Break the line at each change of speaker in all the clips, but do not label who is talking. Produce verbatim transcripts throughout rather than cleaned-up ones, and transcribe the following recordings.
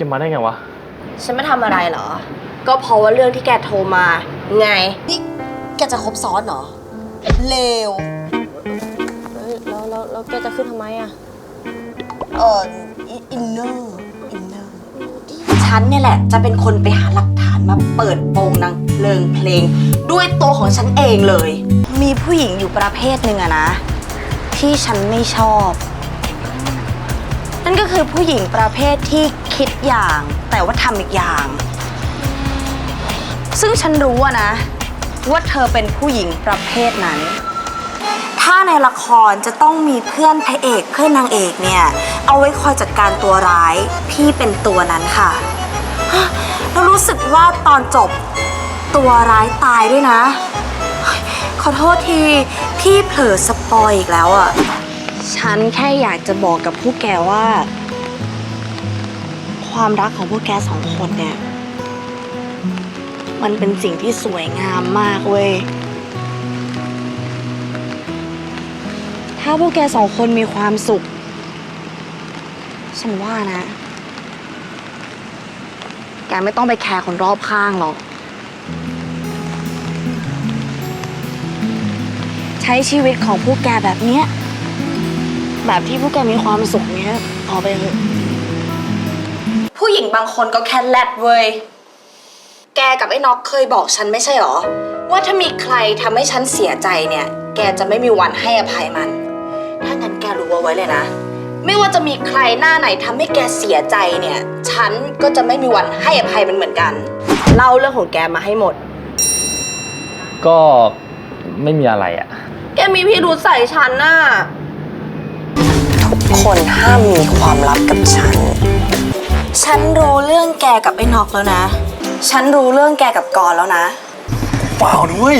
มาได้ไงวะ
ฉันไม่ทำอะไรเหรอก็เพราะว่าเรื่องที่แกโทรมาไง
นี่แกจะคบซ้อนเหรอเลว
แล้วแล้วแล้วแกจะขึ้นทำไมอ่ะ
เอออินเนอร์อินเนอร์ฉันเนี่ยแหละจะเป็นคนไปหาหลักฐานมาเปิดโปงนางเพลิงเพลงด้วยตัวของฉันเองเลยมีผู้หญิงอยู่ประเภทหนึ่งอะนะที่ฉันไม่ชอบนั่นก็คือผู้หญิงประเภทที่คิดอย่างแต่ว่าทำอีกอย่างซึ่งฉันรู้อะนะว่าเธอเป็นผู้หญิงประเภทนั้นถ้าในละครจะต้องมีเพื่อนพระเอกเพื่อนนางเอกเนี่ยเอาไว้คอยจัดการตัวร้ายพี่เป็นตัวนั้นค่ะแล้วรู้สึกว่าตอนจบตัวร้ายตายด้วยนะขอโทษทีพี่เผลอสปอยอีกแล้วอะฉันแค่อยากจะบอกกับพวกแกว่าความรักของพวกแกสองคนเนี่ยมันเป็นสิ่งที่สวยงามมากเว้ยถ้าพวกแกสองคนมีความสุขฉันว่านะแกไม่ต้องไปแคร์คนรอบข้างหรอกใช้ชีวิตของพวกแกแบบเนี้ยแบบที่พวกแกมีความสุขเนี้ยพอไปเถอะผู้หญิงบางคนก็แค่แรดเว้ยแกกับไอ้น็อกเคยบอกฉันไม่ใช่หรอว่าถ้ามีใครทำให้ฉันเสียใจเนี่ยแกจะไม่มีวันให้อภัยมันถ้างั้นแกรู้เอาไว้เลยนะไม่ว่าจะมีใครหน้าไหนทำให้แกเสียใจเนี่ยฉันก็จะไม่มีวันให้อภัยมันเหมือนกัน
เล่าเรื่องของแกมาให้หมด
ก็ไม่มีอะไรอะ
แกมีพิรุธใส่ฉันน่ะ
ทุกคนห้ามมีความลับกับฉันฉันรู้เรื่องแกกับไอ้น็อกแล้วนะฉันรู้เรื่องแกกับกรแล้วนะ
เปล่าด้วย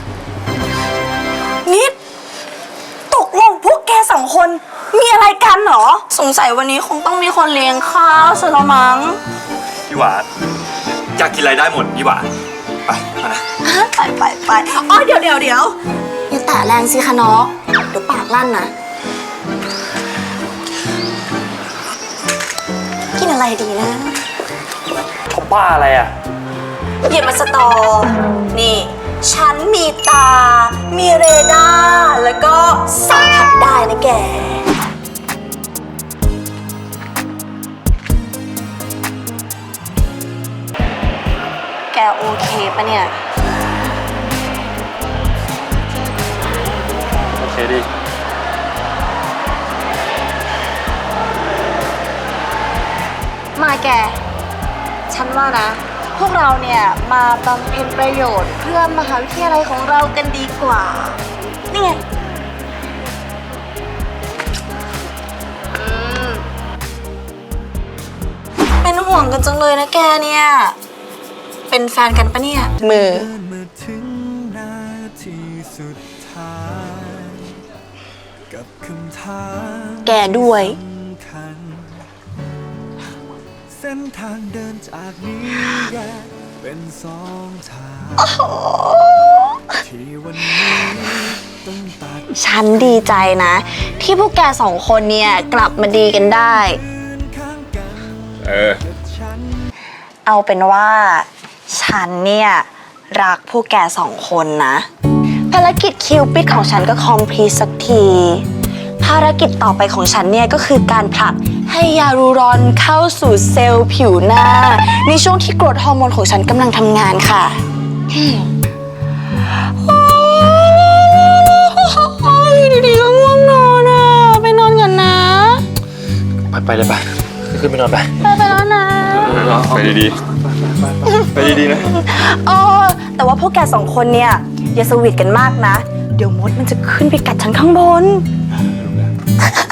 นิดตกลงพวกแกสองคนมีอะไรกันเหรอสงสัยวันนี้คงต้องมีคนเลี้ยงข้าวซะละมั้ง
พี่หวานอยากกินอะไรได้หมดพี่หวานไปมานะ
ไปไปไปอ๋อเดี๋ยวเดี๋ยวเดี๋ยวอย่าแตะแรงสิคะน้องเดี๋ยวปากลั่นนะกินอะไรดีนะ
เขาบ้าอะไรอ่ะ
อย่ามาสตอนี่ฉันมีตามีเรดาร์แล้วก็สัมผัสได้นะแกแกโอเคปะเนี่ย
โอเคดิ
มาแกฉันว่านะพวกเราเนี่ยมาบำเพ็ญประโยชน์เพื่อมหาวิทยาลัยของเรากันดีกว่านี่ไงเป็นห่วงกันจังเลยนะแกเนี่ยเป็นแฟนกันปะเนี่ยมือแกด้วยเส้นทางเดินจากนี้แยกเป็นสองทางที่วันนี้ต้องตัดฉันดีใจนะที่พวกแกสองคนเนี่ยกลับมาดีกันได้
เออ
เอาเป็นว่าฉันเนี่ยรักพวกแกสองคนนะภารกิจคิวปิดของฉันก็คอมพลีทสักทีภารกิจต่อไปของฉันเนี่ยก็คือการผลักให้ยารูรอนเข้าสู่เซลล์ผิวหน้าในช่วงที่กรดฮอร์โมนของฉันกำลังทำงานค่ะดีๆก็ง่วงนอนอ่ะไปนอนกันนะ
ไปไปเลยไปขึ้นไปนอนไป
ไปไปแล้วนะ
ไปดีๆไปดีๆนะ
เออแต่ว่าพวกแกสองคนเนี่ยอย่าสวีทกันมากนะเดี๋ยวมดมันจะขึ้นไปกัดฉันข้างบน